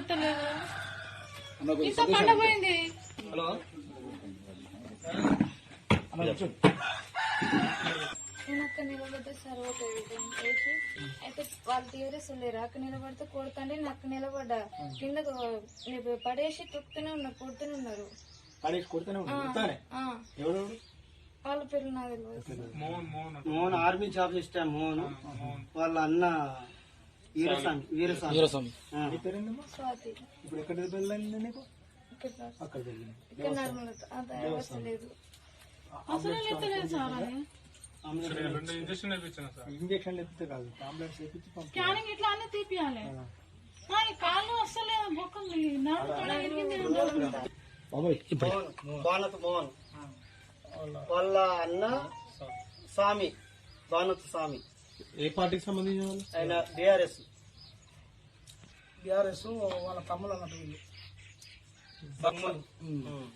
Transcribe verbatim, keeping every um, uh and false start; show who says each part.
Speaker 1: వస్తలేదు. ఇంత పండపోయింది.
Speaker 2: హలో
Speaker 3: నేను అక్కడ నిలబడితే సర్వోటది వేసి అయితే వాళ్ళు టీఆర్ఎస్ లేరు. అక్కడ నిలబడితే కొడుతుంటే నేను అక్కడ నిలబడ్డా కింద పడేసి తొక్కుతూనే ఉన్నారు, కొడుతూనే ఉన్నారు. వాళ్ళ పేర్లు నాకు తెలియదు.
Speaker 2: మోహన్ ఆర్మీ జాబ్ చేస్తా. మోహన్ వాళ్ళ అన్న వీరస్వామి వీరస్వామి
Speaker 3: స్వాతి
Speaker 2: ఇప్పుడు ఎక్కడ వెళ్ళండి నీకు? అక్కడ
Speaker 3: ఇక్కడ నర్మల అంత వ్యవస్థ లేదు.
Speaker 1: అసలు ఎత్తలేదు సార్. అది
Speaker 2: ఇంజక్షన్ ఎత్తితే కాదు, అంబులెన్స్ ఎత్తించి పంపి
Speaker 1: స్కానింగ్ ఇట్లా అన్నీ తీపియాలి. కాళ్ళు వస్తలేదు, బొక్కలు నాకు
Speaker 2: భానత్ మోహన్ వాళ్ళ అన్న స్వామి భానత్ స్వామి.
Speaker 4: ఏ పార్టీకి సంబంధించిన వాళ్ళు?
Speaker 2: ఆయన బీఆర్ఎస్
Speaker 4: బీఆర్ఎస్ వాళ్ళ తమ్ముడు అన్నట్టు వీళ్ళు.